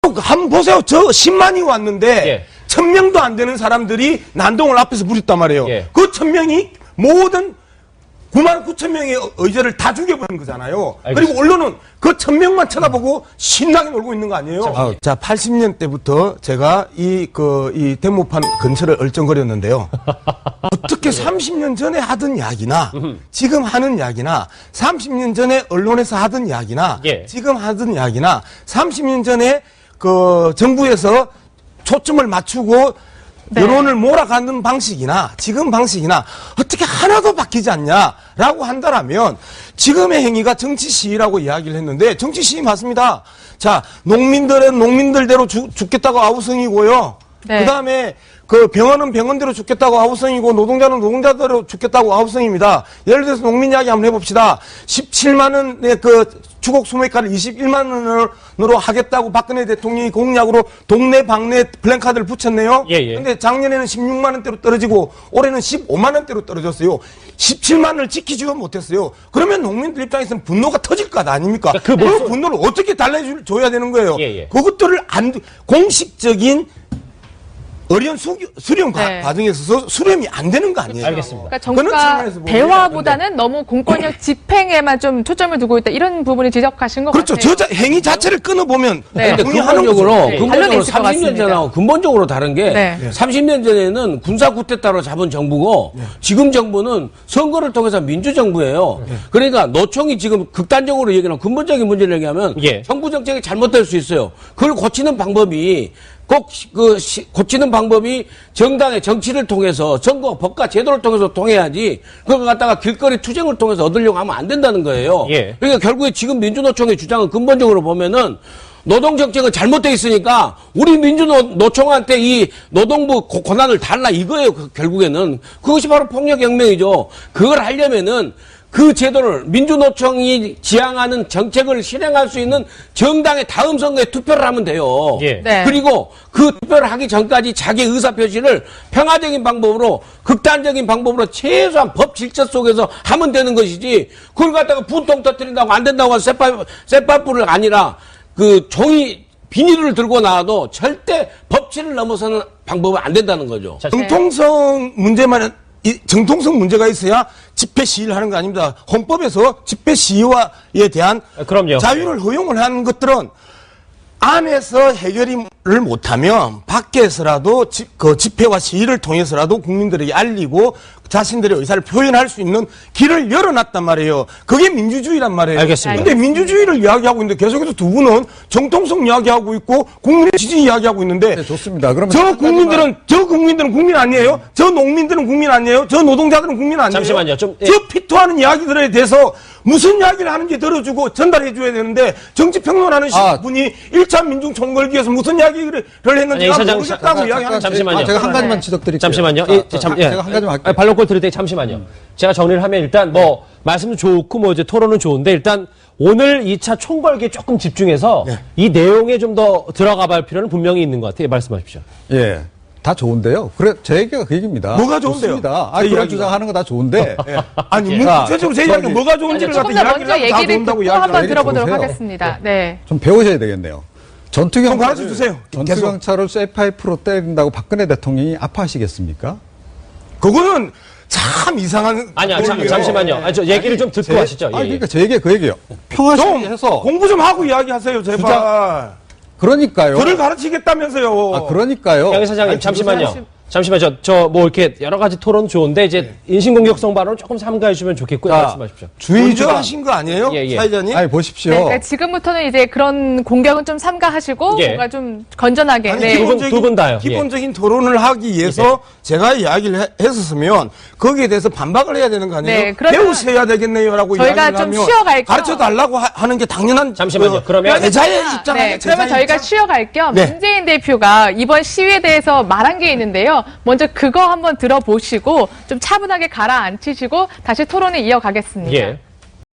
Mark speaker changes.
Speaker 1: 한번 보세요. 저 10만이 왔는데
Speaker 2: 예.
Speaker 1: 1000명도 안 되는 사람들이 난동을 앞에서 부렸단 말이에요.
Speaker 2: 예.
Speaker 1: 그 1000명이 모든 9만 9천 명의 의제를 다 죽여버린 거잖아요.
Speaker 2: 알겠습니다.
Speaker 1: 그리고 언론은 그 1000명만 쳐다보고 신나게 놀고 있는 거 아니에요? 자, 80년 때부터 제가 이 대모판 근처를 얼쩡거렸는데요. 어떻게 30년 전에 하던 이야기나 지금 하는 이야기나 30년 전에 언론에서 하던 이야기나
Speaker 2: 예.
Speaker 1: 지금 하던 이야기나 30년 전에 그 정부에서 초점을 맞추고
Speaker 3: 네.
Speaker 1: 여론을 몰아가는 방식이나 지금 방식이나 어떻게 하나도 바뀌지 않냐라고 한다라면 지금의 행위가 정치 시위라고 이야기를 했는데 정치 시위 맞습니다. 자, 농민들은 농민들대로 죽겠다고 아우성이고요.
Speaker 3: 네.
Speaker 1: 그다음에 그 병원은 병원대로 죽겠다고 아우성이고 노동자는 노동자대로 죽겠다고 아우성입니다. 예를 들어서 농민 이야기 한번 해봅시다. 17만 원의 그 주곡 소매가를 21만 원으로 하겠다고 박근혜 대통령이 공약으로 동네 방네 플랜카드를 붙였네요.
Speaker 2: 예.
Speaker 1: 근데 작년에는 16만 원대로 떨어지고 올해는 15만 원대로 떨어졌어요. 17만 원을 지키지도 못했어요. 그러면 농민들 입장에서는 분노가 터질 것 아닙니까?
Speaker 2: 그
Speaker 1: 분노를 어떻게 달래줘야 되는 거예요?
Speaker 2: 예.
Speaker 1: 그것들을 공식적인 어려운 수렴
Speaker 3: 네.
Speaker 1: 과정에 있어서 수렴이 안 되는 거 아니에요?
Speaker 2: 알겠습니다.
Speaker 3: 그러니까
Speaker 1: 그런
Speaker 3: 정부가
Speaker 1: 측면에서 보면
Speaker 3: 대화보다는 너무 공권력 집행에만 좀 초점을 두고 있다. 이런 부분을 지적하신 것
Speaker 1: 그렇죠.
Speaker 3: 같아요.
Speaker 1: 행위 자체를 끊어보면
Speaker 3: 네.
Speaker 4: 근데
Speaker 1: 동의하는
Speaker 4: 근본적으로,
Speaker 1: 거죠.
Speaker 3: 네.
Speaker 4: 근본적으로
Speaker 3: 반론이 있을 것
Speaker 4: 30년
Speaker 3: 같습니다.
Speaker 4: 전하고 근본적으로 다른 게
Speaker 3: 네.
Speaker 4: 30년 전에는 군사 쿠데타로 잡은 정부고 지금 정부는 선거를 통해서 민주정부예요. 그러니까 노총이 지금 극단적으로 얘기하는 근본적인 문제를 얘기하면
Speaker 2: 예.
Speaker 4: 정부 정책이 잘못될 수 있어요. 그걸 고치는 방법이 고치는 방법이 정당의 정치를 통해서 선거 법과 제도를 통해서 통해야지 그걸 갖다가 길거리 투쟁을 통해서 얻으려고 하면 안 된다는 거예요.
Speaker 2: 예.
Speaker 4: 그러니까 결국에 지금 민주노총의 주장은 근본적으로 보면은 노동정책은 잘못되어 있으니까 우리 민주노총한테 이 노동부 권한을 달라 이거예요. 결국에는 그것이 바로 폭력혁명이죠. 그걸 하려면은 그 제도를 민주노총이 지향하는 정책을 실행할 수 있는 정당의 다음 선거에 투표를 하면 돼요.
Speaker 2: 예.
Speaker 3: 네.
Speaker 4: 그리고 그 투표를 하기 전까지 자기 의사표시를 평화적인 방법으로 극단적인 방법으로 최소한 법 질서 속에서 하면 되는 것이지 그걸 갖다가 분통 터뜨린다고 안 된다고 해서 쇠파불을 아니라 그 종이 비닐을 들고 나와도 절대 법치를 넘어서는 방법은 안 된다는 거죠.
Speaker 1: 정통성 문제가 있어야 집회 시위를 하는 거 아닙니다. 헌법에서 집회 시위에 대한
Speaker 2: 그럼요.
Speaker 1: 자유를 허용을 하는 것들은 안에서 해결을 못하면 밖에서라도 그 집회와 시위를 통해서라도 국민들에게 알리고 자신들의 의사를 표현할 수 있는 길을 열어놨단 말이에요. 그게 민주주의란 말이에요.
Speaker 2: 알겠습니다.
Speaker 1: 근데 민주주의를 이야기하고 있는데 계속해서 두 분은 정통성 이야기하고 있고 국민의 지지 이야기하고 있는데
Speaker 5: 네, 좋습니다. 그러면
Speaker 1: 저 국민들은 국민 아니에요? 저 농민들은 국민 아니에요? 저 노동자들은 국민 아니에요?
Speaker 2: 잠시만요. 저
Speaker 1: 피토하는 이야기들에 대해서 무슨 이야기를 하는지 들어주고 전달해 줘야 되는데 정치평론하는 분이 1차 민중총궐기에서 무슨 이야기를 했는지
Speaker 2: 아니, 이사장,
Speaker 1: 모르겠다고 이야기하는
Speaker 2: 잠시만요.
Speaker 5: 제가 한 가지만 지적드릴게요.
Speaker 2: 잠시만요.
Speaker 5: 제가 한 가지만 할게요.
Speaker 2: 반론권 드릴 때 잠시만요. 제가 정리를 하면 일단 말씀도 좋고 이제 토론은 좋은데 일단 오늘 2차 총궐기에 조금 집중해서 이 내용에 좀 더 들어가 볼 필요는 분명히 있는 것 같아요. 말씀하십시오.
Speaker 5: 예. 다 좋은데요. 그래, 제 얘기가 그 얘기입니다.
Speaker 1: 뭐가 좋은데요?
Speaker 5: 좋습니다.
Speaker 1: 제
Speaker 5: 그런
Speaker 1: 이야기가.
Speaker 5: 주장하는 거 다 좋은데.
Speaker 1: 아니,
Speaker 5: 자,
Speaker 1: 구체적으로 제 이야기가 뭐가 좋은지를
Speaker 3: 조금
Speaker 1: 갖다
Speaker 3: 더 먼저
Speaker 1: 이야기를 하고 다
Speaker 3: 얘기를
Speaker 1: 좋은다고
Speaker 3: 듣고
Speaker 1: 이야기를
Speaker 3: 한번
Speaker 1: 해요.
Speaker 3: 들어보도록
Speaker 5: 보세요.
Speaker 3: 하겠습니다. 네.
Speaker 5: 좀 배우셔야 되겠네요.
Speaker 1: 가르쳐 주세요.
Speaker 5: 전투경찰을 쇠파이프로 때린다고 박근혜 대통령이 아파하시겠습니까?
Speaker 1: 그거는 참 이상한.
Speaker 2: 아니요,
Speaker 1: 논리예요.
Speaker 2: 잠시만요. 저 얘기를 좀 듣고 하시죠. 예,
Speaker 5: 그러니까 제 얘기가 그 얘기예요. 평화시위해서
Speaker 1: 공부 좀 하고 이야기하세요, 제발.
Speaker 5: 그러니까요.
Speaker 1: 저를 가르치겠다면서요.
Speaker 5: 그러니까요.
Speaker 2: 양 사장님,
Speaker 5: 아니,
Speaker 2: 잠시만요. 이렇게 여러 가지 토론 좋은데, 이제 인신공격성 발언을 조금 삼가해 주면 좋겠고요.
Speaker 5: 자,
Speaker 2: 말씀하십시오.
Speaker 1: 먼저 하신 거 아니에요?
Speaker 2: 예.
Speaker 1: 사회자님?
Speaker 5: 아니, 보십시오.
Speaker 3: 네, 그러니까 지금부터는 이제 그런 공격은 좀 삼가하시고
Speaker 2: 예.
Speaker 3: 뭔가 좀 건전하게.
Speaker 1: 아니,
Speaker 3: 네.
Speaker 2: 두 분 다요.
Speaker 1: 기본적인 토론을 하기 위해서 제가 이야기를 했었으면 거기에 대해서 반박을 해야 되는 거 아니에요?
Speaker 3: 네, 그러면
Speaker 1: 배우셔야 되겠네요라고
Speaker 3: 저희가
Speaker 1: 이야기를
Speaker 3: 좀
Speaker 1: 하면
Speaker 3: 쉬어갈 겸
Speaker 1: 가르쳐 달라고 하는 게 당연한
Speaker 2: 잠시만요. 그러면
Speaker 1: 제자의 입장 아니에요?
Speaker 3: 네, 그러면 저희가 쉬어갈 겸
Speaker 1: 네.
Speaker 3: 문재인 대표가 이번 시위에 대해서 말한 게 있는데요. 먼저 그거 한번 들어보시고 좀 차분하게 가라앉히시고 다시 토론을 이어가겠습니다.
Speaker 2: 예.